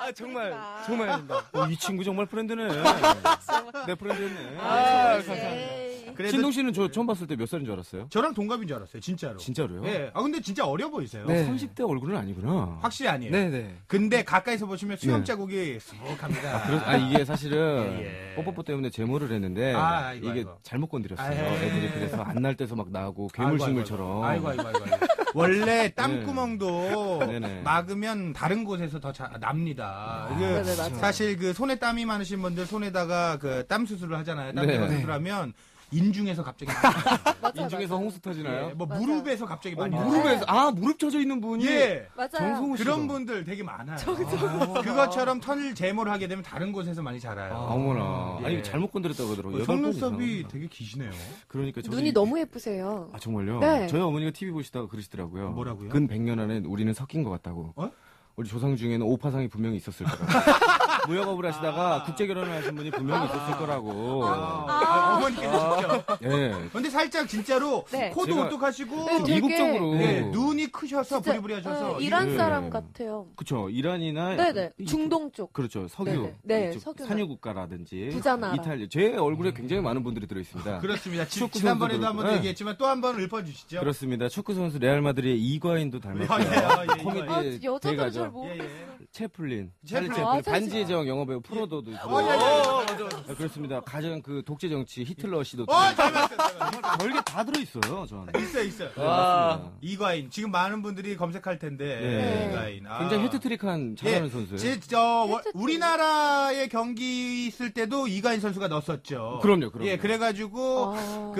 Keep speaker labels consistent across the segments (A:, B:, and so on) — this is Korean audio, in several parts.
A: 정말
B: 마.
A: 정말 아닙니다.
C: 이 친구 정말 프렌드네. 내 프렌드였네.
A: 감사합니다.
B: 에이.
C: 신동 씨는 저 처음 봤을 때 몇 살인 줄 알았어요?
D: 저랑 동갑인 줄 알았어요, 진짜로.
C: 진짜로요?
D: 예. 아, 근데 진짜 어려 보이세요.
A: 네.
C: 30대 얼굴은 아니구나.
D: 확실히 아니에요.
A: 네네.
D: 근데 가까이서 보시면 수염 자국이 수북합니다.
C: 이게 사실은
D: 예, 예.
C: 뽀뽀뽀 때문에 제모를 했는데
D: 아이고,
C: 이게
D: 아이고.
C: 잘못 건드렸어요.
D: 아이고.
C: 애들이 그래서 안 날 때서 막 나고 괴물식물처럼.
D: 아이고. 원래 땀구멍도
C: 네네.
D: 막으면 다른 곳에서 더 납니다. 이게
B: 네네, 맞아요.
D: 사실 그 손에 땀이 많으신 분들 손에다가 그 땀 수술을 하잖아요. 땀
C: 네.
D: 제거 수술하면 인중에서 갑자기
B: 맞아요,
C: 인중에서
B: 맞아요.
C: 홍수 터지나요?
D: 예, 뭐
B: 맞아요.
D: 무릎에서 갑자기 많이 나요.
C: 무릎에서 무릎 젖어 있는 분이
D: 예.
B: 맞아요.
C: 정성우 씨가.
D: 그런 분들 되게 많아요. 그것처럼 털 제모를 하게 되면 다른 곳에서 많이 자라요.
C: 어머나.
D: 예.
C: 아니 잘못 건드렸다고 하더라고요.
D: 속눈썹이 되게 기시네요.
C: 그러니까 저도
B: 눈이 너무 예쁘세요.
C: 정말요?
B: 네.
C: 저희 어머니가 TV 보시다가 그러시더라고요.
D: 뭐라고요?
C: 근 100년 안에 우리는 섞인 것 같다고.
D: 어?
C: 우리 조상 중에는 오파상이 분명히 있었을 거라고. 무역업을 하시다가 국제 결혼을 하신 분이 분명히 있었을 거라고.
D: 어머니께서 진짜.
C: 예.
D: 근데 살짝 진짜로
B: 네.
D: 코도
C: 제가-
D: 오똑하시고
B: 네, 되게-
C: 이국적으로.
D: 예, 눈이 크셔서
B: 진짜,
D: 부리부리하셔서
B: 이란
C: 예.
B: 사람 같아요.
C: 그쵸. 이란이나.
B: 네네.
C: 이-
B: 중동 쪽.
C: 그렇죠. 석유.
B: 네네. 네,
C: 이쪽
B: 석유나.
C: 산유국가라든지.
B: 부자나라.
C: 이탈리아. 제 얼굴에 굉장히 많은 분들이 들어있습니다.
D: 그렇습니다.
C: 축구
D: 지난번에도
C: 선수도
D: 한번
C: 그렇고.
D: 얘기했지만 또 한 번 읊어주시죠.
C: 그렇습니다. 축구 선수 레알 마드리의 이과인도 닮았어요.
D: 예,
C: 코미디의
B: 여자들은
C: 대가죠.
B: 잘 모르.
D: 예, 예.
C: 채플린.
D: 채플린.
C: 찰리
B: 아,
C: 채플린. 반지의 제왕 영화배우 프로도도 있고.
D: 예.
C: 그렇습니다. 가장 그 독재 정치 히틀러 씨도
D: 닮았어요.
C: 별게 다 들어있어요. 전.
D: 있어요.
C: 맞습니다.
D: 이과인. 지금 많은 분들이 검색할 텐데.
C: 네.
D: 이과인.
C: 굉장히 헤트트릭한 잘하는
D: 예,
C: 선수예요.
D: 우리나라의 경기 있을 때도 이가인 선수가 넣었었죠.
C: 그럼요.
D: 예, 그래가지고
B: 아.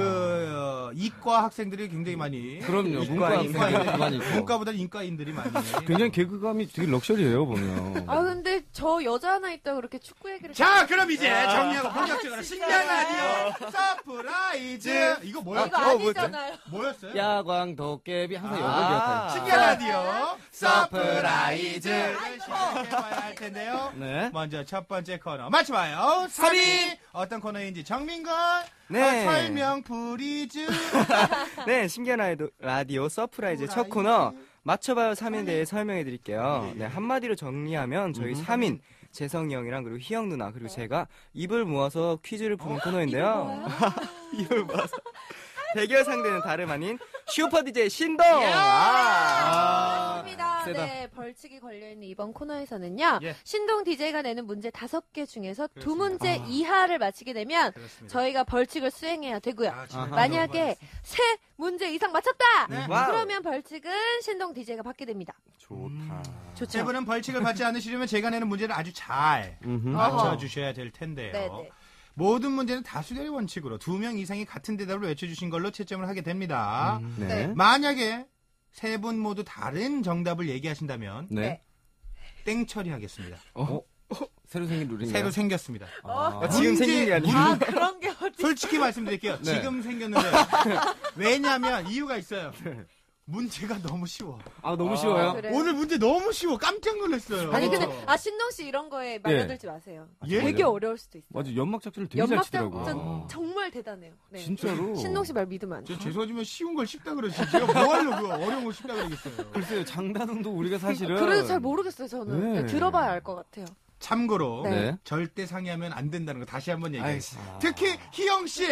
D: 이과 학생들이 굉장히 많이.
C: 그럼요.
D: 이과인,
C: 문과 많이 있고.
D: 문과보다 인과인들이 많이.
C: 굉장히 개그감이 되게 럭셔리해요 보면.
B: 아 근데 저 여자 하나 있다고 그렇게 축구 얘기를.
D: 자, 그럼 이제 정리하고 본격적으로 신기한 라디오 서프라이즈. 이거 뭐였죠?
B: 이거 아니잖아요.
D: 뭐였어요?
C: 야광 도깨비 항상 영어 기억하요.
D: 신기한 라디오
C: 서프라이즈.
D: 시작해봐야 할 텐데요.
C: 네.
D: 먼저 첫 번째 코너 맞춰봐요. 3위 어떤 코너인지 정민건
A: 네.
D: 설명 프리즈.
A: 네, 신기한 라디오 서프라이즈 첫 코너 맞춰봐요 3인에 대해 설명해 드릴게요. 네, 한마디로 정리하면 저희 3인 재성이 형이랑 그리고 희영 누나 그리고 제가 입을 모아서 퀴즈를 푸는 코너인데요. 입을 모아서 대결 상대는 다름 아닌 슈퍼 DJ 신동.
B: 맞습니다.
C: 세다.
B: 네, 벌칙이 걸려있는 이번 코너에서는요.
D: 예.
B: 신동 DJ가 내는 문제 5개 중에서 두
D: 그렇습니다.
B: 문제 이하를 맞히게 되면
D: 그렇습니다.
B: 저희가 벌칙을 수행해야 되고요.
D: 진짜
B: 만약에 세 문제 이상 맞췄다!
D: 네.
A: 와우.
B: 그러면 벌칙은 신동 DJ가 받게 됩니다.
C: 좋다.
B: 좋죠?
D: 세 분은 벌칙을 받지 않으시려면 제가 내는 문제를 아주 잘 맞춰주셔야 될 텐데요.
B: 네네.
D: 모든 문제는 다수결의 원칙으로 2명 이상이 같은 대답을 외쳐주신 걸로 채점을 하게 됩니다.
C: 네.
D: 만약에 세 분 모두 다른 정답을 얘기하신다면
C: 네.
D: 땡 처리하겠습니다.
C: 새로 생긴 룰인가요?
D: 새로 생겼습니다.
A: 지금 생긴 게 아니고.
B: 아, 그런 게 어디.
D: 솔직히 말씀드릴게요.
C: 네.
D: 지금 생겼는데 왜냐하면 이유가 있어요. 문제가 너무 쉬워.
C: 너무 쉬워요.
B: 그래요?
D: 오늘 문제 너무 쉬워. 깜짝 놀랐어요.
B: 아니, 근데, 신동 씨 이런 거에 말려들지 마세요.
D: 예?
B: 되게 어려울 수도 있어요.
C: 맞아, 연막 작전을 되게 잘
B: 연막
C: 치더라고요.
B: 작전 정말 대단해요. 네.
C: 진짜로.
B: 신동 씨 말 믿으면 안
D: 저
B: 돼요.
D: 죄송하지만 쉬운 걸 쉽다 그러지. 제가 뭐 하려고 어려운 걸 쉽다 그러겠어요.
C: 글쎄요, 장단음도 우리가 사실은.
B: 그래도 잘 모르겠어요, 저는.
C: 네.
B: 네, 들어봐야 알 것 같아요.
D: 참고로
B: 네.
D: 절대 상의하면 안 된다는 거 다시 한번 얘기해요.
A: 알겠습니다.
D: 특히 희영 씨.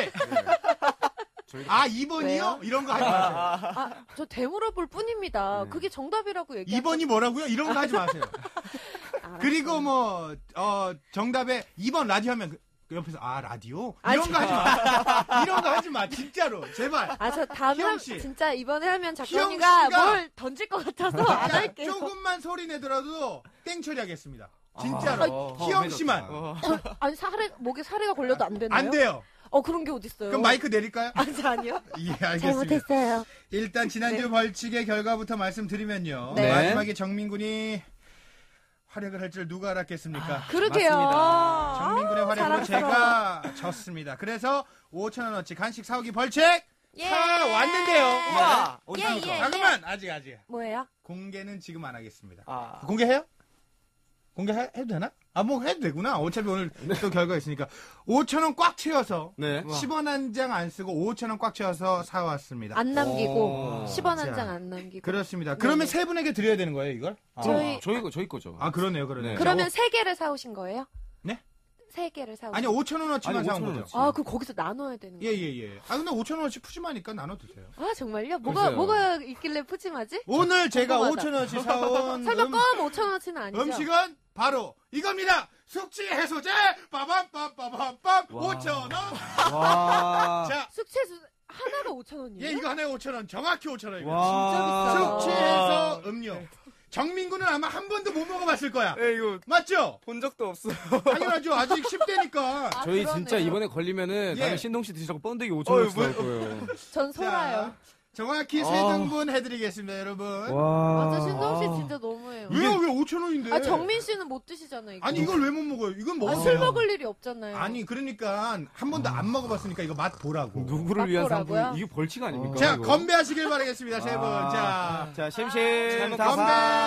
D: 2번이요?
B: 왜요?
D: 이런 거 하지 마세요.
B: 저 되물어볼 뿐입니다.
C: 네.
B: 그게 정답이라고 얘기하죠.
D: 2번이 뭐라고요? 이런 거 하지 마세요. 그리고 뭐 정답에 2번 라디오 하면 그 옆에서 라디오? 이런 거 하지 마. 이런 거 하지 마. 진짜로. 제발.
B: 저 다음에
D: 희영 씨.
B: 진짜 이번에 하면
D: 희영
B: 작가님가
D: 씨가
B: 뭘 던질 것 같아서 안 할게요.
D: 조금만 소리 내더라도 땡 처리하겠습니다. 진짜로.
C: 더
D: 희영
C: 매졌다.
D: 씨만.
B: 아니 목에 사례가 걸려도 안 되나요?
D: 안 돼요.
B: 그런 게 어딨어요.
D: 그럼 마이크 내릴까요?
B: 아니요.
D: 예, 알겠습니다.
B: 잘못했어요.
D: 일단 지난주 벌칙의 결과부터 말씀드리면요.
B: 네.
D: 마지막에 정민군이 활약을 할 줄 누가 알았겠습니까?
B: 그러게요.
D: 정민군의 활약으로
B: 사랑스러워.
D: 제가 졌습니다. 그래서 5,000원어치 간식 사오기 벌칙
B: 예.
D: 사왔는데요.
A: 와,
B: 예, 예.
D: 잠깐만 아직
B: 뭐예요?
D: 공개는 지금 안 하겠습니다.
A: 아.
D: 공개해요? 공개해도 되나? 뭐 해도 되구나. 어차피 오늘 또 결과가 있으니까. 5,000원 꽉 채워서.
C: 네.
D: 10원 한 장 안 쓰고 5,000원 꽉 채워서 사왔습니다.
B: 안 남기고, 10원 한
D: 자,
B: 장 안 남기고.
D: 그렇습니다.
B: 네.
D: 그러면 세 분에게 드려야 되는 거예요, 이걸?
C: 저희 거죠.
D: 아, 그러네요.
C: 네.
B: 그러면 3개를 사오신 거예요?
D: 네?
B: 3개를 사오신
D: 아니, 5,000원어치만
C: 아니,
D: 사온
C: 5,000원
D: 거죠.
B: 아, 그럼 거기서 나눠야 되는 거예요?
D: 예. 아, 근데 5,000원어치 푸짐하니까 나눠 드세요.
B: 아, 정말요?
C: 글쎄요.
B: 뭐가 있길래 푸짐하지?
D: 오늘 제가
B: 궁금하다.
D: 5,000원어치 사온
B: 설마 껌 5,000원어치는 아니죠?
D: 음식은 바로 이겁니다. 숙취 해소제 빠밤빰빠밤빰
C: 와.
D: 5,000원.
C: 와.
D: 자,
B: 숙취해소 하나가 5,000원이에요?
D: 예, 이거 하나에 5,000원. 정확히 5,000원입니다.
C: 와.
B: 진짜 비싸다.
D: 숙취 해소 음료. 정민구는 아마 한 번도 못 먹어봤을 거야.
A: 네, 이거
D: 맞죠?
A: 본 적도 없어요.
D: 당연하죠. 아직 10대니까.
B: 아,
C: 저희
B: 그러네요.
C: 진짜 이번에 걸리면은
D: 예.
C: 다음에 신동 씨 드시라고 번데기 5,000원
A: 뭐-
C: 줄 거예요.
B: 전 소라요.
D: 정확히 세 등분 해드리겠습니다, 여러분.
C: 와.
B: 맞아, 신동 씨 진짜 너무해요.
D: 왜요? 왜 5,000원인데?
B: 아, 정민 씨는 못 드시잖아요, 이거.
D: 아니, 이걸 왜 못 먹어요? 이건 먹어요.
B: 술 먹을 일이 없잖아요.
D: 아니, 그러니까 한 번도 안 먹어봤으니까 이거 맛 보라고.
C: 누구를 위한
B: 맛보라고요?
C: 상품? 이게 벌칙 아닙니까?
D: 자,
C: 이거?
D: 건배하시길 바라겠습니다, 세 분.
C: 아.
D: 자,
C: 자, შემ심
D: 건배!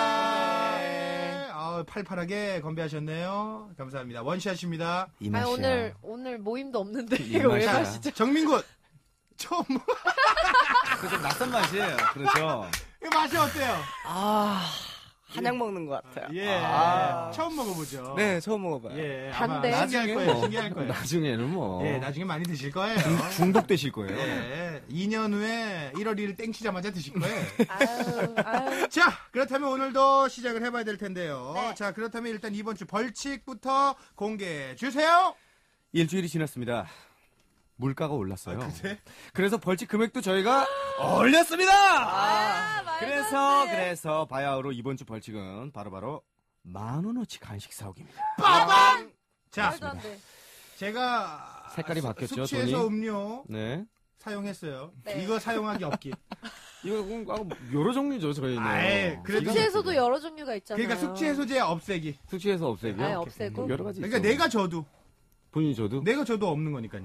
C: 다사.
D: 팔팔하게 건배하셨네요. 감사합니다. 원샷입니다.
C: 이
B: 아니,
C: 맛이야.
B: 오늘 모임도 없는데,
C: 이
B: 이거 왜
C: 맛이야.
B: 마시죠?
D: 정민군, 처음,
C: 그 좀 낯선 맛이에요. 그렇죠.
D: 이 맛이 어때요?
A: 한약 먹는 것 같아요.
D: 예.
A: 아.
D: 처음 먹어보죠.
A: 네, 처음 먹어봐요.
D: 예.
B: 단데?
D: 아마 신기할 거예요. 신기할 거예요.
C: 나중에는 뭐.
D: 예, 나중에 많이 드실 거예요.
C: 중독되실 거예요.
D: 예. 2년 후에 1월 1일 땡치자마자 드실 거예요.
B: 아유.
D: 자, 그렇다면 오늘도 시작을 해봐야 될 텐데요.
B: 네.
D: 자, 그렇다면 일단 이번 주 벌칙부터 공개해 주세요.
C: 일주일이 지났습니다. 물가가 올랐어요.
D: 그래?
C: 그래서 벌칙 금액도 저희가 올렸습니다.
B: 아, 말도 안 돼.
C: 그래서 바야흐로 이번 주 벌칙은 바로 10,000원어치 간식 사오기입니다.
D: 빠밤! 자,
B: 말도 안 돼.
D: 제가
C: 색깔이 바뀌었죠,
D: 숙취해소
C: 돈이?
D: 음료
C: 네.
D: 사용했어요.
B: 네.
D: 이거 사용하기 없기.
C: 이거 여러 종류죠, 저희는.
D: 아이, 그래도-
B: 숙취해소도 여러 종류가 있잖아요.
D: 그러니까 숙취해소제 없애기.
C: 숙취해소 없애기요?
B: 아예 없애고.
C: 여러 가지
D: 그러니까
C: 있죠.
D: 내가 져도
C: 본인이 줘도?
D: 내가 져도 없는 거니까요.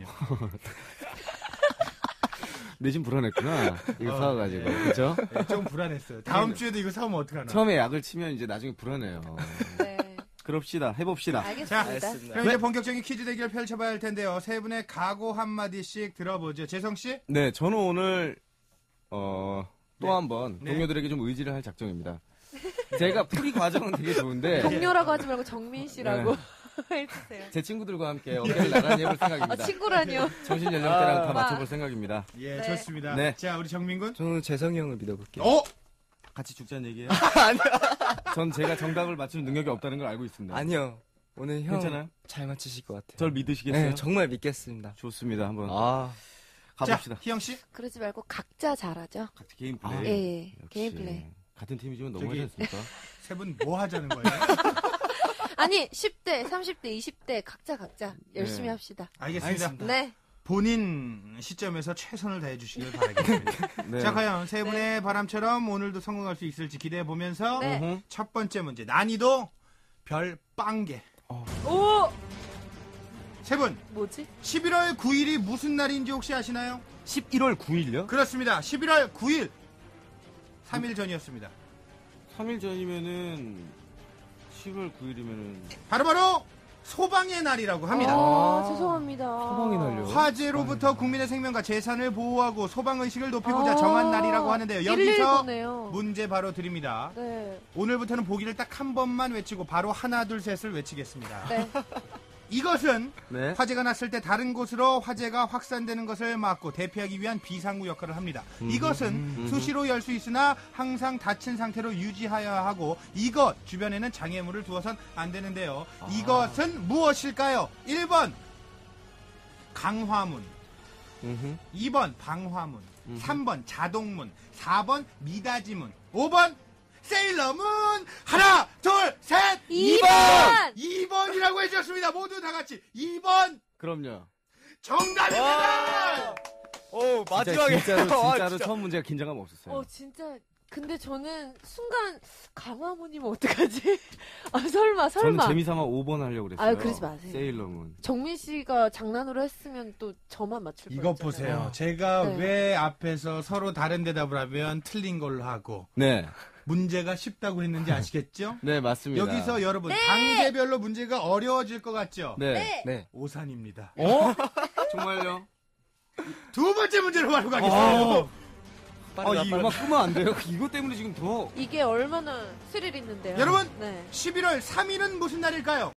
C: 내심 불안했구나. 이거 사와가지고. 그죠?
D: 네, 좀 불안했어요. 다음 주에도 이거 사오면 어떡하나.
C: 처음에 약을 치면 이제 나중에 불안해요.
B: 네.
C: 그럽시다. 해봅시다.
B: 알겠습니다.
A: 알겠습니다.
D: 그럼 이제 본격적인 퀴즈 대결 펼쳐봐야 할 텐데요. 세 분의 각오 한마디씩 들어보죠. 재성씨?
C: 네, 저는 오늘, 또
D: 네.
C: 한 번
D: 네.
C: 동료들에게 좀 의지를 할 작정입니다. 제가 풀이 과정은 되게 좋은데,
B: 동료라고 하지 말고 정민 씨라고
C: 네.
B: 해주세요.
C: 제 친구들과 함께 어깨를 나란히 해볼
B: 아,
C: 생각입니다.
B: 친구라니요.
C: 정신 연령대랑 다
B: 아.
C: 맞춰볼 생각입니다.
D: 예,
B: 네.
D: 좋습니다.
C: 네.
D: 자, 우리 정민군?
A: 저는 재성이 형을 믿어볼게요.
D: 어?
C: 같이 죽자는 얘기예요? 전 제가 정답을 맞추는 능력이 없다는 걸 알고 있습니다.
A: 아니요. 오늘 형
C: 괜찮아요?
A: 잘 맞추실 것 같아요.
C: 절 믿으시겠어요?
A: 네, 정말 믿겠습니다.
C: 좋습니다. 한번
A: 아,
C: 가봅시다.
D: 자, 희영씨?
B: 그러지 말고 각자 잘하죠.
C: 같이 개인
A: 아,
C: 플레이.
B: 예,
C: 역시.
B: 개인 플레이.
C: 같은 팀이지만 너무
D: 저기-
C: 하지 않습니까?
D: 세 분 뭐 하자는 거예요?
B: 아니, 10대, 30대, 20대 각자 열심히
C: 네.
B: 합시다.
D: 알겠습니다.
A: 알겠습니다.
B: 네.
D: 본인 시점에서 최선을 다해 주시길 바라겠습니다.
C: 네.
D: 자, 과연 세 분의 바람처럼 오늘도 성공할 수 있을지 기대해 보면서
B: 네.
C: 어허.
D: 첫 번째 문제 난이도 별 빵개.
B: 오!
D: 세 분,
B: 뭐지?
D: 11월 9일이 무슨 날인지 혹시 아시나요?
C: 11월 9일요?
D: 그렇습니다. 11월 9일. 3일 전이었습니다.
C: 3일 전이면은 10월 9일이면은
D: 바로바로 소방의 날이라고 합니다.
B: 죄송합니다.
C: 소방이 날려.
D: 화재로부터 국민의 생명과 재산을 보호하고 소방의식을 높이고자 정한 날이라고 하는데요.
B: 119네요.
D: 여기서 문제 바로 드립니다.
B: 네.
D: 오늘부터는 보기를 딱 한 번만 외치고 바로 하나 둘 셋을 외치겠습니다.
B: 네.
D: 이것은
C: 네.
D: 화재가 났을 때 다른 곳으로 화재가 확산되는 것을 막고 대피하기 위한 비상구 역할을 합니다. 이것은 수시로 열 수 있으나 항상 닫힌 상태로 유지하여야 하고 이것 주변에는 장애물을 두어선 안 되는데요. 이것은 무엇일까요? 1번 강화문,
C: 음흠.
D: 2번 방화문, 3번 자동문, 4번 미닫이문, 5번 세일러문. 하나 둘 셋
B: 2번!
D: 2번이라고 해주셨습니다. 모두 다 같이 2번
C: 그럼요.
D: 정답입니다.
A: 오, 마지막에.
C: 진짜로
A: 진짜.
C: 처음 문제가 긴장감 없었어요.
B: 진짜. 근데 저는 순간 강화문이면 어떡하지? 아, 설마.
C: 저는 재미삼아 5번 하려고 그랬어요.
B: 아유, 그러지 마세요.
C: 세일러문.
B: 정민 씨가 장난으로 했으면 또 저만 맞출 뻔했잖아요.
D: 이것 보세요. 제가
B: 네.
D: 왜 앞에서 서로 다른 대답을 하면 틀린 걸로 하고
C: 네.
D: 문제가 쉽다고 했는지 아시겠죠?
C: 네, 맞습니다.
D: 여기서 여러분 단계별로 문제가 어려워질 것 같죠?
C: 네.
A: 네.
D: 오산입니다.
C: 정말요?
D: 두 번째 문제로 바로 가겠습니다.
C: 이 음악 끄면 안 돼요? 이것 때문에 지금 더.
B: 이게 얼마나 스릴 있는데요.
D: 여러분,
B: 네.
D: 11월 3일은 무슨 날일까요?